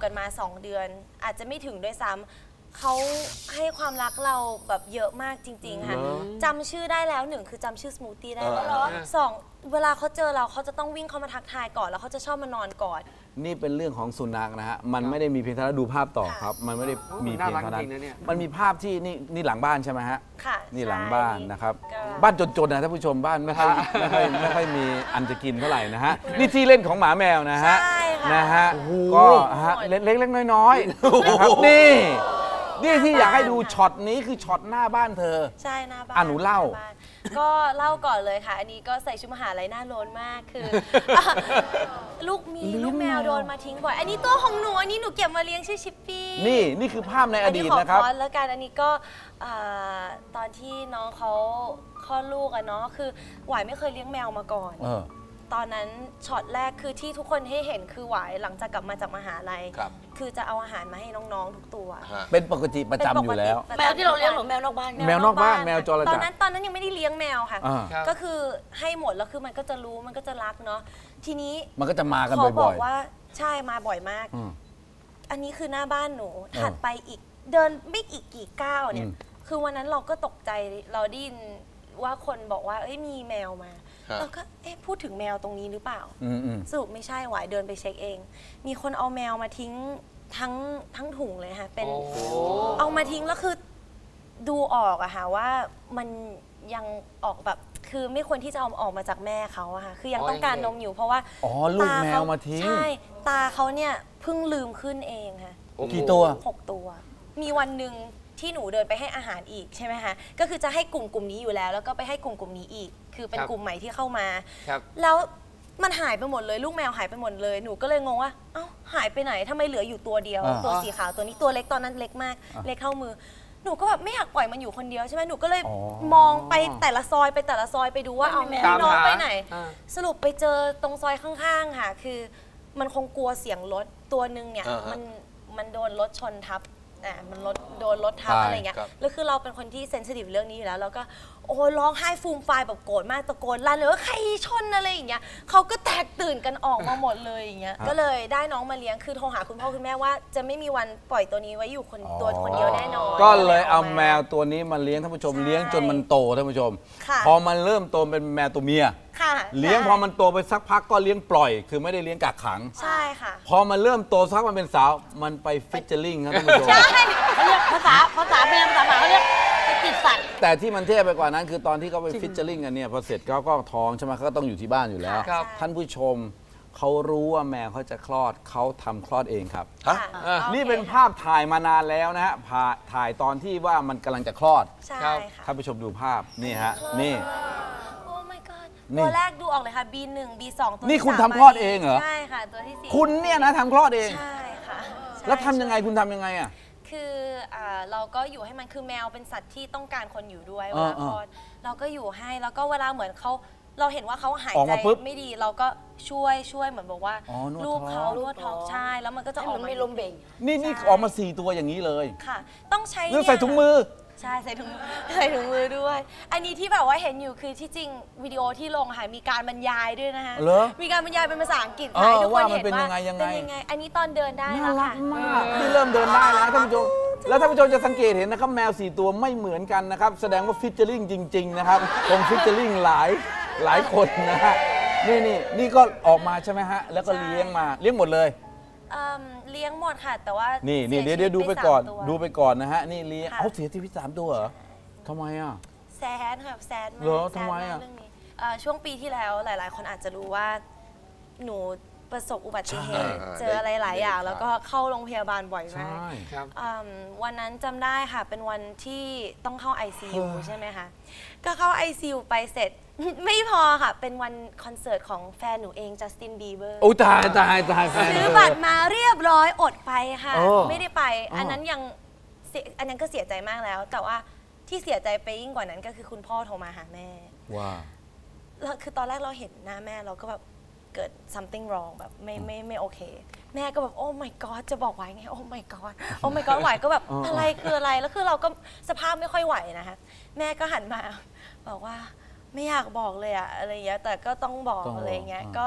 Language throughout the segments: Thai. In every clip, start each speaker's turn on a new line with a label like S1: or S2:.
S1: กันมา2 เดือนอาจจะไม่ถึงด้วยซ้ำเขาให้ความรักเราแบบเยอะมากจริงๆค่ะจำชื่อได้แล้ว1คือจำชื่อสมูทตี้ได้แล้ว2เวลาเขาเจอเราเขาจะต้องวิ่งเข้ามาทักทายก่อนแล้วเขาจะชอบมานอนกอด
S2: นี่เป็นเรื่องของสุนัขนะฮะมันไม่ได้มีเพียงเท่านั้นดูภาพต่อครับมันไม่ได้มีเพียงเท่านั้นมันมีภาพที่นี่หลังบ้านใช่ไหมฮะ
S1: ค่ะ
S2: นี่หลังบ้านนะครับบ้านจนๆนะท่านผู้ชมบ้านไม่ค่อยมีอันจะกินเท่าไหร่นะฮะนี่ที่เล่นของหมาแมวนะฮะนะฮะก็เล็กๆน้อยๆนะครับนี่ที่อยากให้ดูช็อตนี้คือช็อตหน้าบ้านเธอ
S1: ใช่หน้าบ้าน
S2: หนูเล่า
S1: ก็เล่าก่อนเลยค่ะอันนี้ก็ใส่ชุดมหาลัยหน้าโลนมากคือลูกแมวโดนมาทิ้งบ่อยอันนี้ตัวของหนูอันนี้หนูเก็บมาเลี้ยงชื่อชิปปี้
S2: นี่คือภาพในอดีตนะครับ
S1: แล้วกันอันนี้ก็ตอนที่น้องเขาคลอดลูกอะเนาะคือหวายไม่เคยเลี้ยงแมวมาก่อนตอนนั้นช็อตแรกคือที่ทุกคนให้เห็นคือหวายหลังจากกลับมาจากมหาลัยคือจะเอาอาหารมาให้น้องๆทุกตัว
S2: เป็นปกติประจำอยู่แล้ว
S3: แมวที่เราเลี้ยงหรือแมวนอกบ้าน
S2: แมวนอกบ้านแมวจรจัด
S1: ตอนนั้นยังไม่ได้เลี้ยงแมวค่ะก็คือให้หมดแล้วคือมันก็จะรู้มันก็จะรักเนาะทีนี้
S2: มันก็จะมากันบ่อยๆ
S1: เขาบอกว่าใช่มาบ่อยมากอันนี้คือหน้าบ้านหนูถัดไปอีกเดินไม่อีกกี่ก้าวเนี่ยคือวันนั้นเราก็ตกใจเราได้ยินว่าคนบอกว่ามีแมวมาเราก็พูดถึงแมวตรงนี้หรือเปล่าสรุปไม่ใช่หวายเดินไปเช็คเองมีคนเอาแมวมาทิ้งทั้งถุงเลยค่ะเป็นเอามาทิ้งแล้วคือดูออกอะค่ะว่ามันยังออกแบบคือไม่ควรที่จะเอาออกมาจากแม่เขาอะค่ะคือยังต้องการนมอยู่เพราะว่า
S2: ลูกแมวมาทิ้ง
S1: ใช่ตาเขาเนี่ยเพิ่งลืมขึ้นเองค่ะ
S2: กี่ตัว
S1: 6 ตัวมีวันหนึ่งที่หนูเดินไปให้อาหารอีกใช่ไหมคะก็คือจะให้กลุ่มนี้อยู่แล้วก็ไปให้กลุ่มนี้อีกคือเป็นกลุ่มใหม่ที่เข้ามาแล้วมันหายไปหมดเลยลูกแมวหายไปหมดเลยหนูก็เลยงงว่าเอ้าหายไปไหนทำไมเหลืออยู่ตัวเดียวตัวสีขาวตัวนี้ตัวเล็กตอนนั้นเล็กมากเล็กเท่ามือหนูก็แบบไม่อยากปล่อยมันอยู่คนเดียวใช่ไหมหนูก็เลยมองไปแต่ละซอยไปดูว่าเอาน้องไปไหนสรุปไปเจอตรงซอยข้างๆค่ะคือมันคงกลัวเสียงรถตัวนึงเนี่ยมันโดนรถชนทับมันโดนรถทับอะไรเงี้ยแล้วคือเราเป็นคนที่เซนซิทีฟเรื่องนี้อยู่แล้วแล้วก็โอ้ร้องไห้ฟูมฟายแบบโกรธมากตะโกนลั่นเลยว่าใครชนอะไรอย่างเงี้ยเขาก็แตกตื่นกันออกมาหมดเลยอย่างเงี้ยก็เลยได้น้องมาเลี้ยงคือโทรหาคุณพ่อคุณแม่ว่าจะไม่มีวันปล่อยตัวนี้ไว้อยู่คนเดียวแน่นอน
S2: ก็เลยเอาแมวตัวนี้มาเลี้ยงท่านผู้ชมเลี้ยงจนมันโตท่านผู้ชมพอมันเริ่มโตเป็นแมวตัวเมียเลี้ยงพอมันโตไปสักพักก็เลี้ยงปล่อยคือไม่ได้เลี้ยงกักขัง
S1: ใช่ค่ะ
S2: พอมันเริ่มโตสักมันเป็นสาวมันไปฟิชเชอร์ลิงครับท่านผู้ชม
S3: ใช่เขาเรียกภาษาแมวภาษาหมาเขาเรียกไปติดสัตว์
S2: แต่ที่มันเท่ไปกว่านั้นคือตอนที่เขาไปฟิชเชอร์ลิงกันเนี่ยพอเสร็จเขาก็ท้องใช่ไหมเขาก็ต้องอยู่ที่บ้านอยู่แล้วท่านผู้ชมเขารู้ว่าแมวเขาจะคลอดเขาทำคลอดเองครับนี่เป็นภาพถ่ายมานานแล้วนะฮะถ่ายตอนที่ว่ามันกำลังจะคลอด
S1: ใช่ค่ะ
S2: ท่านผู้ชมดูภาพนี่ฮะนี่
S1: ตัวแรกดูออกเลยค่ะ B1 B2 ตัว
S2: นี่คุณทำคลอดเองเหรอ
S1: ใช่ค่ะตัวที่4
S2: คุณเนี่ยนะทำคลอดเอง
S1: ใช่ค่ะ
S2: แล้วทำยังไงคุณทำยังไงอ่ะ
S1: คือเราก็อยู่ให้มันคือแมวเป็นสัตว์ที่ต้องการคนอยู่ด้วยเวลาคลอดเราก็อยู่ให้แล้วก็เวลาเหมือนเราเห็นว่าเขาหายใจไม่ดีเราก็ช่วยเหมือนบอกว่าลูกเขานวดท้องใช่แล้วมันก็จะออกมา
S3: ไม่ลมเบ่ง
S2: นี่ออกมา4 ตัวอย่างนี้เลย
S1: ค่ะต้องใช้
S2: ใส่ถุงมือ
S1: ใช่ใส่ถุงมือด้วยอันนี้ที่แบบว่าเห็นอยู่คือที่จริงวิดีโอที่ลงค่ะมีการบรรยายด้วยนะคะมีการบรรยายเป็นภาษาอังกฤษให้ทุกคนเห็นว่าเป็นยังไงอันนี้ตอนเดินได้แล้วค่ะ
S2: ที่เริ่มเดินได้แล้วท่านผู้ชมแล้วท่านผู้ชมจะสังเกตเห็นนะครับแมว4 ตัวไม่เหมือนกันนะครับแสดงว่าฟิชเชอร์ลิงจริงๆนะครับคงฟิชเชอร์ลิงหลายคนนะฮะนี่ก็ออกมาใช่ไหมฮะแล้วก็เลี้ยงหมดเลย
S1: เลี้ยงหมดค่ะแต่ว่า
S2: นี่เดี๋ยวดูไปก่อนนะฮะนี่เลี้ยงเสียชีวิต3 ตัวเหรอทำไมอ่ะ
S1: แซดค่ะแซดมาก
S2: เหรอทำไมอ่ะ
S1: ช่วงปีที่แล้วหลายๆคนอาจจะรู้ว่าหนูประสบอุบัติเหตุเจออะไรหลายอย่างแล้วก็เข้าโรงพยาบาลบ่อยมากวันนั้นจำได้ค่ะเป็นวันที่ต้องเข้า ICU ใช่ไหมคะก็เข้า ICU ไปเสร็จไม่พอค่ะเป็นวันคอนเสิร์ตของแฟนหนูเองจัสตินบีเบอร์
S2: โอ้ตาย
S1: ซื้อบัตรมาเรียบร้อยอดไปค่ะไม่ได้ไปอันนั้นก็เสียใจมากแล้วแต่ว่าที่เสียใจไปยิ่งกว่านั้นก็คือคุณพ่อโทรมาหาแม่
S2: ว่า
S1: แล้วคือตอนแรกเราเห็นหน้าแม่เราก็แบบเกิด something wrong แบบไม่โอเคแม่ก็แบบโอ้ my god จะบอกไหวไงโอ้ my god โอ้ my god ไหวก็แบบอะไรคืออะไรแล้วคือเราก็สภาพไม่ค่อยไหวนะคะแม่ก็หันมาบอกว่าไม่อยากบอกเลยอะอะไรเงี้ยแต่ก็ต้องบอกอะไรเงี้ยก็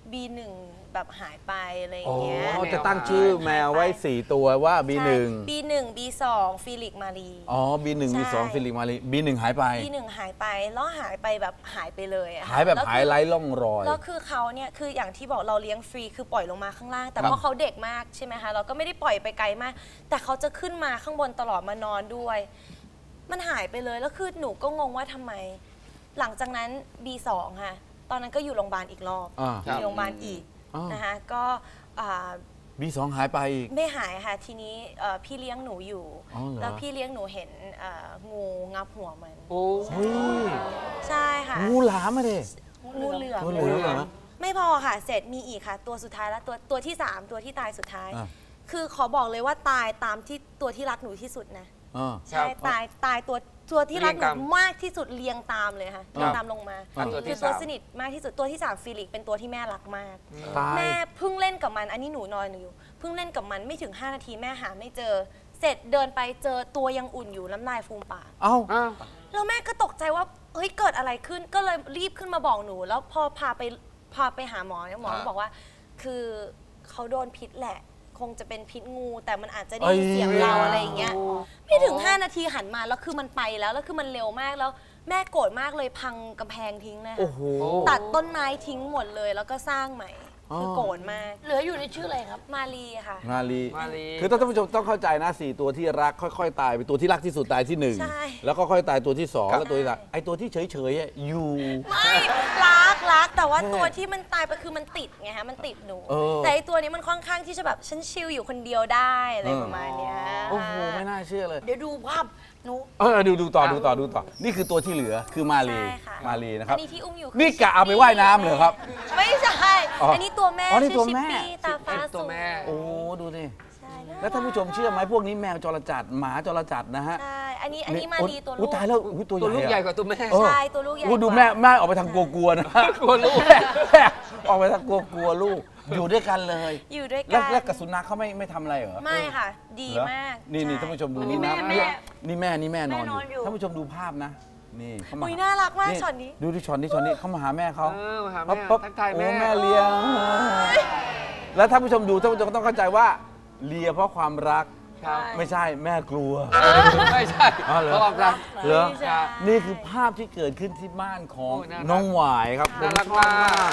S1: B1 แบบหายไปอะไรอย่างเงี้ย
S2: จะตั้งชื่อแมวไว้4ตัวว่า B1
S1: B1 B2 ฟิลิกมารี
S2: อ๋อ B1 B2 ฟิลิปมาลี B1 หายไป
S1: B1 หายไปแล้วหายไปแบบหายไปเลยอะ
S2: หายแบบ
S1: แล้ว
S2: หายไร้ร่องรอย
S1: แล้วคือเขาเนี่ยคืออย่างที่บอกเราเลี้ยงฟรีคือปล่อยลงมาข้างล่าง แต่เพราะเขาเด็กมากใช่ไหมคะเราก็ไม่ได้ปล่อยไปไกลมาก แต่เขาจะขึ้นมาข้างบนตลอดมานอนด้วย มันหายไปเลยแล้วคือหนูก็งงว่าทำไม หลังจากนั้น B2 ค่ะตอนนั้นก็อยู่โรงพยาบาลอีกรอบอยู่โรงพยาบาลอีกนะคะก็
S2: B2 หายไปอีก
S1: ไม่หายค่ะทีนี้พี่เลี้ยงหนูอยู่แล้วพี่เลี้ยงหนูเห็นงูงับหัวมันใช่ค่ะ
S2: งูหลามมาดิ
S1: งูเหลือมไม่พอค่ะเสร็จมีอีกค่ะตัวสุดท้ายแล้วตัวที่3ตัวที่ตายสุดท้ายคือขอบอกเลยว่าตายตามที่ตัวที่รักหนูที่สุดนะใช่ตายตัวที่รักหนูมากที่สุดเรียงตามเลยค่ะเรียงตามลงมาคือตัวสนิทมากที่สุดตัวที่3ฟิลิกเป็นตัวที่แม่รักมากแม่เพิ่งเล่นกับมันอันนี้หนูนอนอยู่เพิ่งเล่นกับมันไม่ถึง5 นาทีแม่หาไม่เจอเสร็จเดินไปเจอตัวยังอุ่นอยู่น้ำลายฟูมปากแล้วแม่ก็ตกใจว่าเฮ้ยเกิดอะไรขึ้นก็เลยรีบขึ้นมาบอกหนูแล้วพอพาไปหาหมอเนี่ยหมอบอกว่าคือเขาโดนพิษแหละคงจะเป็นพิษงูแต่มันอาจจะได้ยินเสียงเราอะไรอย่างเงี้ยไม่ถึง5 นาทีหันมาแล้วคือมันไปแล้วคือมันเร็วมากแล้วแม่โกรธมากเลยพังกำแพงทิ้งเลยตัดต้นไม้ทิ้งหมดเลยแล้วก็สร้างใหม่คือโกรธมาก
S3: เหลืออยู่ในชื่ออะไรครับ
S1: มาลีค่ะ
S2: มาลีคือท่านผู้ชมต้องเข้าใจนะ4ตัวที่รักค่อยๆตายไปตัวที่รักที่สุดตายที่1แล้วก็ค่อยตายตัวที่2แล้วตัวที่3ไอ้ตัวที่เฉยๆอยู่
S1: ไม่รักแต่ว่าตัวที่มันตายไปคือมันติดไงฮะมันติดหนูแต่ไอ้ตัวนี้มันค่อนข้างที่จะแบบฉันชิลอยู่คนเดียวได้อะไรประมาณเนี้ย
S2: โอ้โหไม่น่าเชื่อเลย
S3: เดี๋ยวดูภาพหนู
S2: ดูต่อนี่คือตัวที่เหลือคือมาลีนะครับ
S1: นี่ที่อุ้มอยู่
S2: นี่กะเอาไปว่ายน้ำเหรอครับ
S1: ไม่ใช่อันนี้ตัวแม่ชื่อชิปปี้ตาฟ้าสูง
S2: โอ้ดูดิแล้วท่านผู้ชมเชื่อไหมพวกนี้แมวจรจัดหมาจรจัดนะฮะ
S1: ใช่อันนี้มาลีตัวลูก
S2: ตายแล้วตัว
S4: ลูกใหญ่กว่าตัวแม่
S1: ใช่ตัวลูกใหญ่
S2: ดูแม่ออกไปทางกลัวๆนะ
S4: กลัวลูก
S2: ออกไปทางกลัวลูกอยู่ด้วยกันเลย
S1: อยู่ด้วยกัน
S2: แล้วกับสุนัขเขาไม่ทำอะไรเหรอ
S1: ไม่ค่ะดีมาก
S2: นี่ท่านผู้ชมดูนี่นะนี่แม่นอนอยู่ท่านผู้ชมดูภาพนะนี่เขามา
S1: น่ารักมากช็อตนี้
S2: ดูที่ช็อตนี้เขามาหาแม่เขา
S4: หาแม่ทักทายแม่
S2: เลี้ยงแล้วท่านผู้ชมดูท่านผู้ชมก็ต้องเข้าใจว่าเลียเพราะความรักไม่ใช่แม่กลัว
S4: ไม่ใช่เพราะความรัก
S2: เหรอนี่คือภาพที่เกิดขึ้นที่บ้านของน้องหวายครับ
S4: น่ารักมาก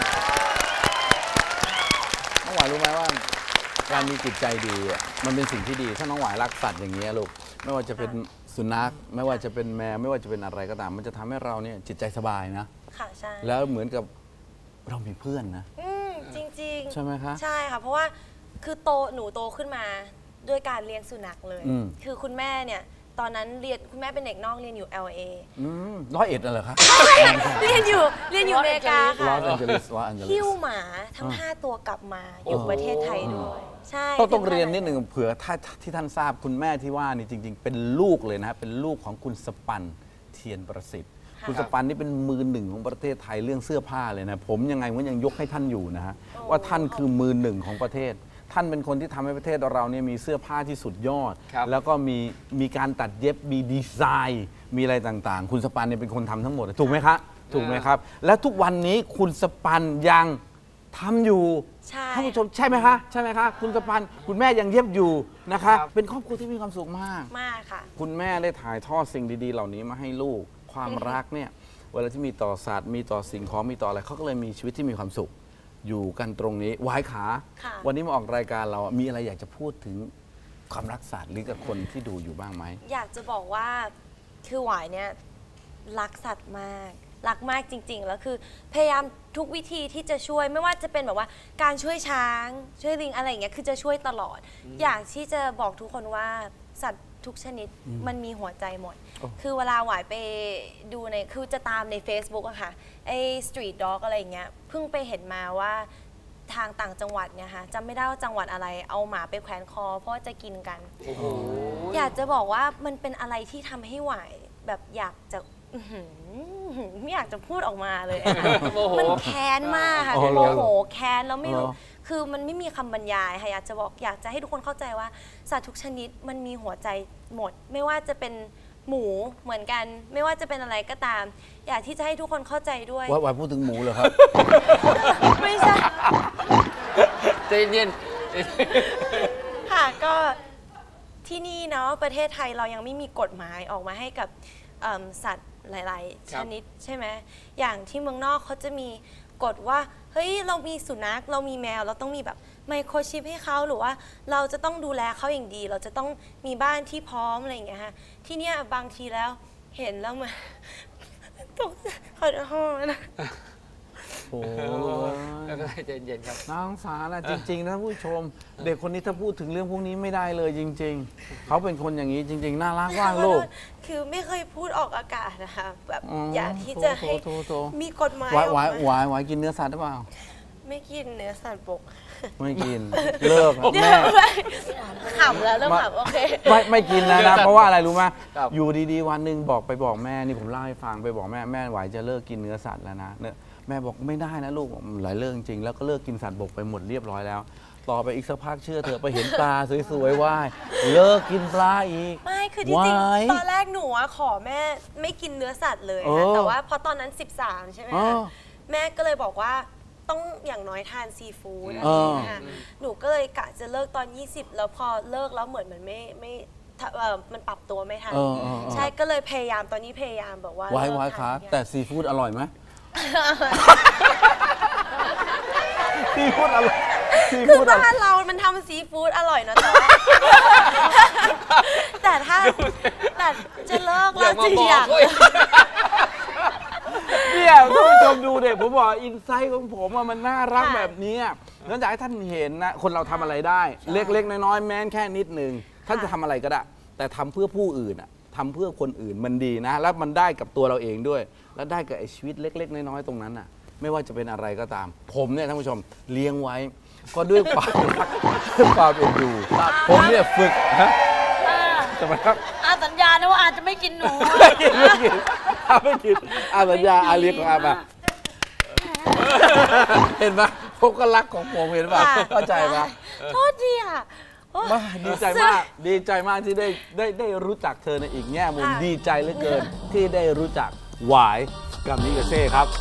S2: น้องหวายรู้ไหมว่าการมีจิตใจดีมันเป็นสิ่งที่ดีถ้าน้องหวายรักสัตว์อย่างนี้ลูกไม่ว่าจะเป็นสุนัขไม่ว่าจะเป็นแมวไม่ว่าจะเป็นอะไรก็ตามมันจะทำให้เราเนี่ยจิตใจสบายนะ
S1: ค่ะใช่
S2: แล้วเหมือนกับเรามีเพื่อนนะ
S1: จริง
S2: ใช่ไหมคะ
S1: ใช่ค่ะเพราะว่าคือหนูโตขึ้นมาด้วยการเลี้ยงสุนัขเลยคือคุณแม่เนี่ยตอนนั้นคุณแม่เป็นเด็กนอกเรียนอยู่ LA
S2: 101เหรอคะ
S1: เรียนอยู่อเมริกาค่ะ
S2: ลอสแอนเจลิส
S1: หิ้วหมาทั้ง5 ตัวกลับมาอยู่ประเทศไทยด้วยใช่
S2: ต้องเรียนนิดหนึ่งเผื่อที่ท่านทราบคุณแม่ที่ว่านี่จริงๆเป็นลูกเลยนะเป็นลูกของคุณสปันเทียนประสิทธิ์คุณสปันนี่เป็นมือ1ของประเทศไทยเรื่องเสื้อผ้าเลยนะผมยังไงผมยังยกให้ท่านอยู่นะฮะว่าท่านคือมือ1ของประเทศท่านเป็นคนที่ทำให้ประเทศเราเนี่ยมีเสื้อผ้าที่สุดยอดแล้วก็มีการตัดเย็บมีดีไซน์มีอะไรต่างๆคุณสปันเนี่ยเป็นคนทำทั้งหมดถูกไหมครับถูกไหมครับแล้วทุกวันนี้คุณสปันยังทำอยู่ท่านผู้ชมใช่ไหมคะใช่ไหมคะคุณสปันคุณแม่ยังเย็บอยู่นะคะเป็นครอบครัวที่มีความสุขมาก
S1: ค่ะ
S2: คุณแม่ได้ถ่ายทอดสิ่งดีๆเหล่านี้มาให้ลูกความรักเนี่ยเวลาที่มีต่อสัตว์มีต่อสิ่งของมีต่ออะไรเขาก็เลยมีชีวิตที่มีความสุขอยู่กันตรงนี้วายขาวันนี้มาออกรายการเรามีอะไรอยากจะพูดถึงความรักสัตว์หรือกับคนที่ดูอยู่บ้างไหม
S1: อยากจะบอกว่าคือหวายเนี่ยรักสัตว์มากรักมากจริงๆแล้วคือพยายามทุกวิธีที่จะช่วยไม่ว่าจะเป็นแบบว่าการช่วยช้างช่วยลิงอะไรอย่างเงี้ยคือจะช่วยตลอดอยากที่จะบอกทุกคนว่าสัตว์ทุกชนิดมันมีหัวใจหมดคือเวลาหวายไปดูคือจะตามใน Facebook อะค่ะไอ้ Street Dog อะไรอย่างเงี้ยเพิ่งไปเห็นมาว่าทางต่างจังหวัดเนี่ยค่ะจำไม่ได้ว่าจังหวัดอะไรเอาหมาไปแขวนคอเพราะจะกินกันอยากจะบอกว่ามันเป็นอะไรที่ทำให้หวายแบบอยากจะไม่อยากจะพูดออกมาเลยมันแค้นมากค่ะโมโหแค้นแล้วไม่รู้คือมันไม่มีคำบรรยายค่ะอยากจะให้ทุกคนเข้าใจว่าสัตว์ทุกชนิดมันมีหัวใจหมดไม่ว่าจะเป็นหมูเหมือนกันไม่ว่าจะเป็นอะไรก็ตามอยากที่จะให้ทุกคนเข้าใจด้วย
S2: ว่าพูดถึงหมูเหรอครับ
S1: ไม่ใช่
S4: ใจเย็น
S1: ค่ะก็ที่นี่เนาะประเทศไทยเรายังไม่มีกฎหมายออกมาให้กับสัตว์หลายๆชนิดใช่ไหมอย่างที่เมืองนอกเขาจะมีกฎว่าเฮ้ยเรามีสุนัขเรามีแมวเราต้องมีแบบไมโครชิปให้เขาหรือว่าเราจะต้องดูแลเขาอย่างดีเราจะต้องมีบ้านที่พร้อมอะไรอย่างเงี้ยฮะที่เนี่ยบางทีแล้วเห็นแล้วมันตกขอโทษนะ
S2: โอ้
S4: แล้วก็ใจเย็นครับ
S2: น่าสงสารนะจริงๆนะผู้ชม เด็กคนนี้ถ้าพูดถึงเรื่องพวกนี้ไม่ได้เลยจริง ๆเขาเป็นคนอย่างนี้จริง ๆน่ารักว่างลูก
S1: คือไม่เคยพูดออกอากาศนะคะแบบอยากที่จะให้มีกฎหมาย
S2: หวายกินเนื้อสัตว์หรือเปล่า
S1: ไม่กินเนื้อสัตว์บก
S2: ไม่กินเลิกแม่
S1: ขำแล้วเริ่มขำโอเค
S2: ไม่กินแล้วนะเพราะว่าอะไรรู้ไหม
S4: ครับ
S2: อยู่ดีๆวันหนึ่งไปบอกแม่นี่ผมเล่าให้ฟังไปบอกแม่หวายจะเลิกกินเนื้อสัตว์แล้วนะเนี่ยแม่บอกไม่ได้นะลูกหลายเรื่องจริงแล้วก็เลิกกินสัตว์บกไปหมดเรียบร้อยแล้ว ต่อไปอีกสักพักเชื่อเถอะไปเห็นปลาสวยๆว่ายเลิกกินปลาอีก
S1: ไม่คือที่จริงตอนแรกหนูอะขอแม่ไม่กินเนื้อสัตว์เลยนะแต่ว่าพอตอนนั้น13ใช่ไหมคะแม่ก็เลยบอกว่าต้องอย่างน้อยทานซีฟู้ดอะไรอย่างเงี้ยค่ะหนูก็เลยกะจะเลิกตอน20แล้วพอเลิกแล้วเหมือนมันไม่มันปรับตัวไม่ทันใช่ก็เลยพยายามตอนนี้พยายามแบบว่า
S2: ไว้ครับแต่ซีฟู้ดอร่อยไหม ซีฟู้ดอร่อย
S1: คือบ้านเรามันทำซีฟู้ดอร่อยนะแต่ถ้าจะเลิกแล้วจริงอย่าง
S2: เนี่ยท่านผู้ชมดูเด็กผมบอกอินไซต์ของผมมันน่ารักแบบนี้แล้วอยากให้ท่านเห็นนะคนเราทำอะไรได้เล็กๆน้อยๆแม้แค่นิดนึงท่านจะทำอะไรก็ได้แต่ทำเพื่อผู้อื่นทำเพื่อคนอื่นมันดีนะแล้วมันได้กับตัวเราเองด้วยแล้วได้กับไอ้ชีวิตเล็กๆน้อยๆตรงนั้นไม่ว่าจะเป็นอะไรก็ตามผมเนี่ยท่านผู้ชมเลี้ยงไว้ก็ด้วยความรักด้วยความเอ็นดูผมเนี่ยฝึกทำไมครับ
S3: สัญญานะว่าอาจจะไม่กินหนู
S2: ไม่กินสัญญาเลี้ยงของอามาเห็นปะพวกก็รักของผมเห็นปะเข้าใจปะ
S1: โทษทีค่ะ
S2: ดีใจมากที่ได้รู้จักเธอในอีกแง่มุมดีใจเหลือเกินที่ได้รู้จักหวายกับนิกาเซ่ครับ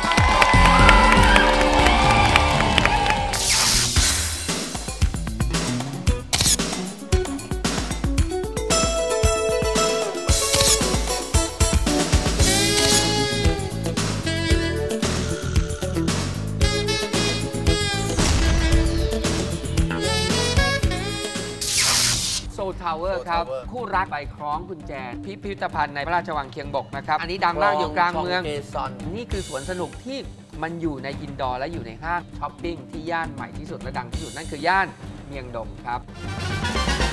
S4: ทาวเวอร์ครับคู่รักใบคล้องกุญแจพิพิธภัณฑ์ในพระราชวังเคียงบกนะครับอันนี้ดังมากอยู่กลางเมืองนี่คือสวนสนุกที่มันอยู่ในอินดอร์และอยู่ในห้างช้อปปิ้งที่ย่านใหม่ที่สุดและดังที่สุดนั่นคือย่านเมียงดงครับ